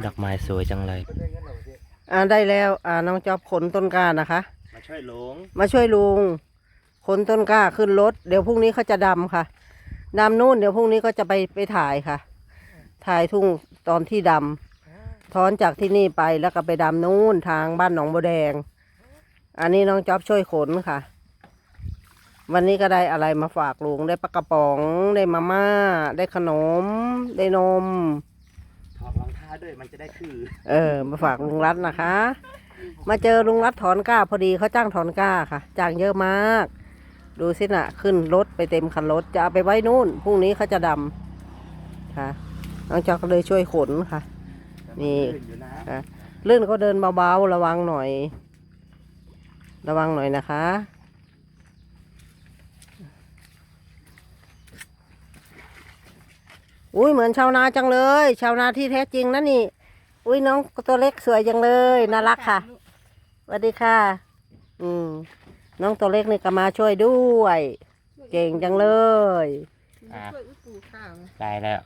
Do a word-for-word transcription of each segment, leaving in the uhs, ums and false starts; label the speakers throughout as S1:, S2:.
S1: ดอกไม้สวยจังเลย
S2: อ่าได้แล้วอ่าน้องจอบขนต้นกล้านะคะ
S1: มาช่วยลุง
S2: มาช่วยลุงขนต้นกล้าขึ้นรถเดี๋ยวพรุ่งนี้เขาจะดำค่ะดำนู่นเดี๋ยวพรุ่งนี้ก็จะไปไปถ่ายค่ะถ่ายทุ่งตอนที่ดำถอนจากที่นี่ไปแล้วก็ไปดำนู่นทางบ้านหนองบัวแดงอันนี้น้องจอบช่วยขนค่ะวันนี้ก็ได้อะไรมาฝากลุงได้ปลากระป๋องได้มาม่าได้ขนมได้นม
S1: ถอดรองเท้าด้วยมันจะได้คือ
S2: เออมาฝากลุงรัตนะคะ มาเจอลุงรัตถอนกล้าพอดีเขาจ้างถอนกล้าค่ะจ้างเยอะมากดูสินะขึ้นรถไปเต็มคันรถจะเอาไปไว้นู่นพรุ่งนี้เขาจะดำค่ะน้องจอกก็เลยช่วยขนค่ะนี่ค่ะลื่นก็เดินเบาๆระวังหน่อยระวังหน่อยนะคะอุ้ยเหมือนชาวนาจังเลยชาวนาที่แท้จริงนะนี่อุ้ยน้องตัวเล็กสวยจังเลยน่ารักค่ะสวัสดีค่ะอืมน้องตัวเล็กนี่ก็มาช่วยด้วยเก่งจังเลย
S1: ได้แล้ว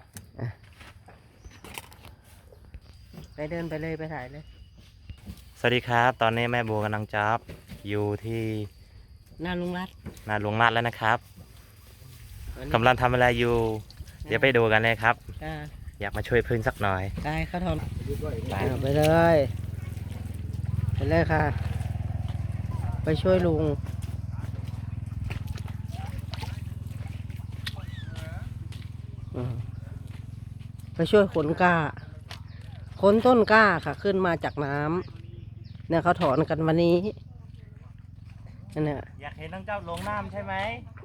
S2: ไปเดินไปเลยไปถ่ายเลย
S1: สวัสดีครับตอนนี้แม่บัวกำลังจับอยู่ที่
S2: นาลุงรัต
S1: นาลุงรัตแล้วนะครับกำลังทำอะไรอยู่เดี๋ยวไปดูกันเลยครับอยากมาช่วยพื้นสักหน่อย
S2: ได้ข้าทอนไปเลยไปเลยค่ะไปช่วยลุงไปช่วยขนกล้าขนต้นกล้าค่ะขึ้นมาจากน้ำเนี่ยเขาถอนกันวันนี้เนี่ย
S1: อยากเห็นน้องเจ้าลงน้ำใช่ไหม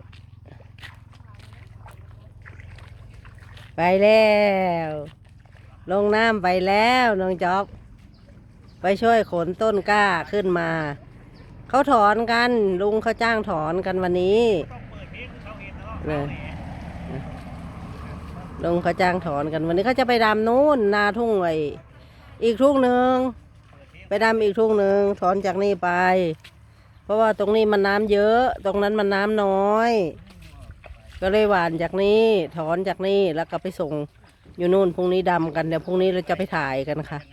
S2: ไปแล้วลงน้ำไปแล้วน้องจ๊อบไปช่วยขนต้นกล้าขึ้นมาเขาถอนกันลุงเขาจ้างถอนกันวันนี้เนี่ยลุงเขาจ้างถอนกันวันนี้เขาจะไปดำนู้นนาทุ่งไว้อีกทุ่งหนึ่งไปดำอีกทุ่งหนึ่งถอนจากนี่ไปเพราะว่าตรงนี้มันน้ำเยอะตรงนั้นมันน้ำน้อยก็เลยหวานจากนี้ถอนจากนี่แล้วก็ไปส่งอยู่นู่นพรุ่งนี้ดำกันเดี๋ยวพรุ่งนี้เราจะไปถ่ายกันค่ะ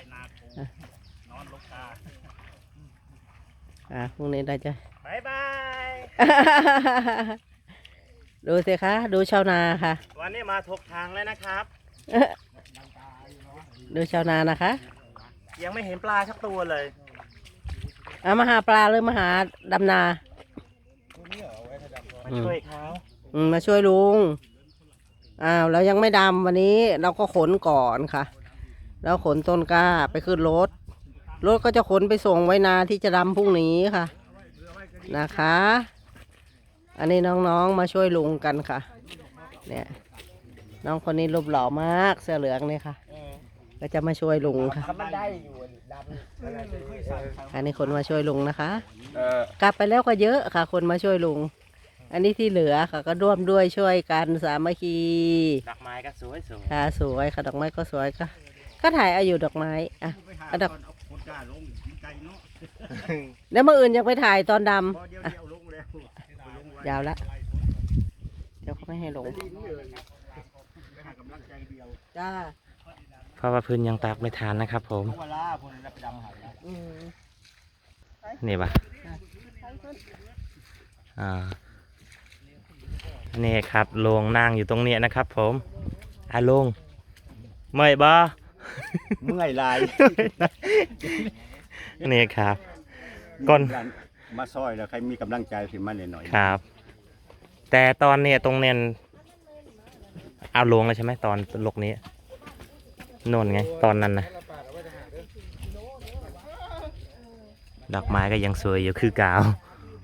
S2: อ่าพรุ่งนี้เราจะ
S1: บายบาย
S2: ดูสิคะดูชาวนาค่ะ
S1: วันนี้มาถกทางแล้วนะครับ
S2: ดูชาวนานะคะ
S1: ยังไม่เห็นปลาสักตัวเลย
S2: เอามาหาปลาหรือมาหาดำนา
S1: มาช่วยเขา
S2: มาช่วยลุงอ้าวเรายังไม่ดำวันนี้เราก็ขนก่อนค่ะแล้วขนต้นกล้าไปขึ้นรถรถก็จะขนไปส่งไว้นาที่จะดำพรุ่งนี้ค่ะนะคะอันนี้น้องๆมาช่วยลุงกันค่ะเนี่ยน้องคนนี้รูปหล่อมากเสื้อเหลืองเนี่ยค่ะก็จะมาช่วยลุงค่ะอันนี้คนมาช่วยลุงนะคะกลับไปแล้วก็เยอะค่ะคนมาช่วยลุงอันนี้ที่เหลือค่ะก็ร่วมด้วยช่วยกันสามัคคี
S1: ดอกไม้ก็สวยสวย
S2: ค่ะสวยค่ะดอกไม้ก็สวยค่ะก็ถ่ายเอาอยู่ดอกไม้อ่ะเอาดอกแล้วเมื่ออื่นยังไปถ่ายตอนดำยาวละเดี๋ยวเขาไม่ให้ลงจ้า
S1: เพราะว่าพื้นยังตากไม่ทานนะครับผมนี่ปะอ่านี่ครับลงนั่งอยู่ตรงนี้นะครับผมอ่ะลงเมื่อยบ่
S3: เมื่อยลาย
S1: นี่ครับก่อน
S3: มาซอยแล้วใครมีกำลังใจถึงมาหน่อย
S1: ครับแต่ตอนนี้ตรงเนียนเอาลงแล้วใช่ไหมตอนลกนี้โน่นไงตอนนั้นนะดอกไม้ก็ยังสวยอยู่คือกาว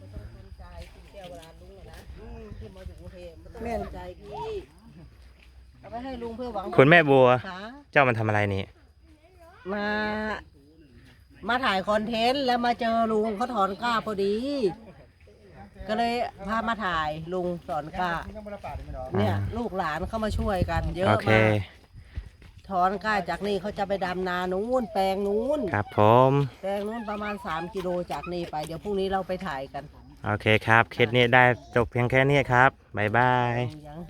S2: แม่ใจพี่เอาไปให้ลุงเพื่อหวัง
S1: คุณแม่บัวเจ้ามันทำอะไรนี่
S2: มามาถ่ายคอนเทนต์แล้วมาเจอลุงเขาถอนกล้าพอดีก็เลยพามาถ่ายลุงถอนกล้าเนี่ยลูกหลานเข้ามาช่วยกันเยอะมากถอนกล้าจากนี่เขาจะไปดำนานู้นแปลงนู้น
S1: ครับผม
S2: แปลงนู้นประมาณสามกิโลจากนี่ไปเดี๋ยวพรุ่งนี้เราไปถ่ายกัน
S1: โอเคครับเคสนี้ได้จบเพียงแค่นี้ครับบ๊ายบาย